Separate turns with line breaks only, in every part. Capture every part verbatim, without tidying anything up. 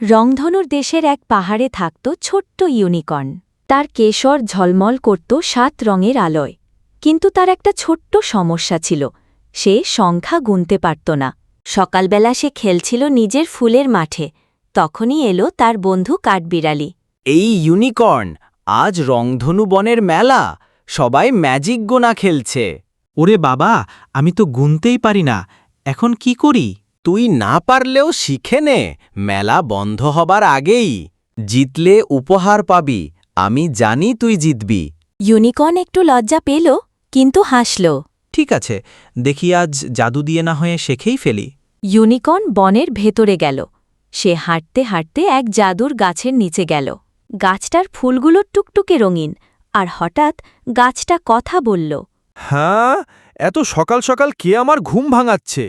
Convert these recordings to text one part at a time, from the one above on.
রংধনুর দেশের এক পাহাড়ে থাকত ছোট্ট ইউনিকর্ন। তার কেশর ঝলমল করত সাত রঙের আলোয়। কিন্তু তার একটা ছোট্ট সমস্যা ছিল, সে সংখ্যা গুনতে পারত না। সকালবেলা সে খেলছিল নিজের ফুলের মাঠে, তখনই এলো তার বন্ধু কাঠবিড়ালি।
এই ইউনিকর্ন, আজ রংধনু বনের মেলা, সবাই ম্যাজিক গোনা খেলছে।
ওরে বাবা, আমি তো গুনতেই পারি না, এখন কি করি?
তুই না পারলেও শিখে নে, মেলা বন্ধ হবার আগেই। জিতলে উপহার পাবি, আমি জানি তুই জিতবি।
ইউনিকর্ন একটু লজ্জা পেল, কিন্তু হাসল।
ঠিক আছে, দেখি আজ জাদু দিয়ে না হয়ে শেখেই ফেলি।
ইউনিকর্ন বনের ভেতরে গেল। সে হাঁটতে হাঁটতে এক জাদুর গাছের নিচে গেল। গাছটার ফুলগুলো টুকটুকে রঙিন, আর হঠাৎ গাছটা কথা বলল।
হ্যাঁ, এত সকাল সকাল কে আমার ঘুম ভাঙাচ্ছে?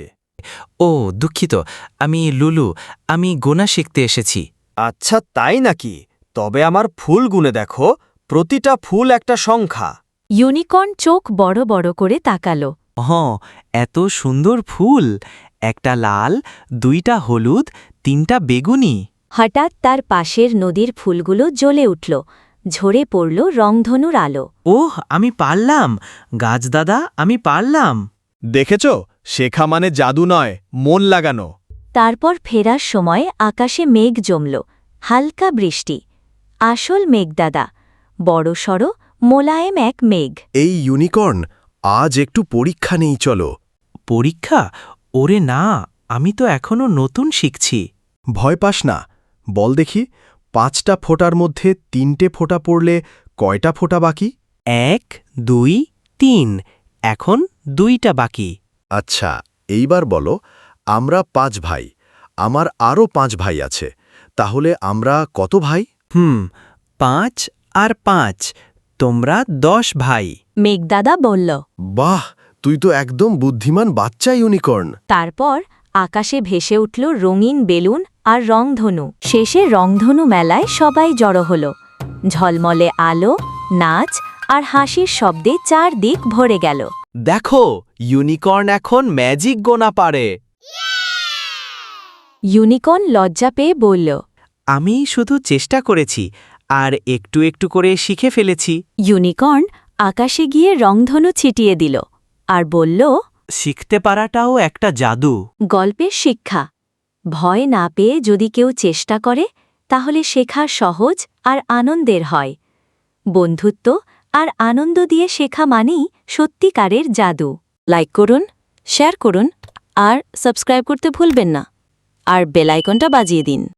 ও দুঃখিত, আমি লুলু, আমি গোনা শিখতে এসেছি।
আচ্ছা তাই নাকি? তবে আমার ফুল গুনে দেখো, প্রতিটা ফুল একটা সংখ্যা।
ইউনিকর্ন চোখ বড় বড় করে তাকালো।
হ্যাঁ, এত সুন্দর ফুল, একটা লাল, দুইটা হলুদ, তিনটা বেগুনি।
হঠাৎ তার পাশের নদীর ফুলগুলো জ্বলে উঠল, ঝরে পড়ল রংধনুর আলো।
ওহ, আমি পারলাম গাছ দাদা, আমি পারলাম।
দেখেছ, শেখা মানে জাদু নয়, মন লাগানো।
তারপর ফেরার সময় আকাশে মেঘ জমল, হালকা বৃষ্টি। আসল মেঘদাদা, বড়সড় মোলায়েম এক মেঘ।
এই ইউনিকর্ন, আজ একটু পরীক্ষা নেই চলো।
পরীক্ষা? ওরে না, আমি তো এখনো নতুন শিখছি।
ভয় পাস না, বল দেখি, পাঁচটা ফোঁটার মধ্যে তিনটে ফোঁটা পড়লে কয়টা ফোঁটা বাকি?
এক, দুই, তিন, এখন দুইটা বাকি।
আচ্ছা, এইবার বলো, আমরা পাঁচ ভাই, আমার আরও পাঁচ ভাই আছে, তাহলে আমরা কত ভাই?
হুম, পাঁচ আর পাঁচ, তোমরা দশ ভাই।
মেঘদাদা বলল।
বাহ, তুই তো একদম বুদ্ধিমান বাচ্চা ইউনিকর্ন।
তারপর আকাশে ভেসে উঠল রঙিন বেলুন আর রংধনু। শেষে রংধনু মেলায় সবাই জড়ো হল। ঝলমলে আলো, নাচ আর হাসির শব্দে চারদিক ভরে গেল।
দেখো, ইউনিকর্ন এখন ম্যাজিক গোনা পারে।
ইউনিকর্ন লজ্জা পেয়ে বলল।
আমি শুধু চেষ্টা করেছি আর একটু একটু করে শিখে ফেলেছি।
ইউনিকর্ন আকাশে গিয়ে রংধনু ছিটিয়ে দিল আর বলল,
শিখতে পারাটাও একটা জাদু।
গল্পের শিক্ষা, ভয় না পেয়ে যদি কেউ চেষ্টা করে, তাহলে শেখা সহজ আর আনন্দের হয়। বন্ধুত্ব আর আনন্দ দিয়ে শেখা মানেই সত্যিকারের জাদু। লাইক করুন, শেয়ার করুন আর সাবস্ক্রাইব করতে ভুলবেন না। আর বেল আইকনটা বাজিয়ে দিন।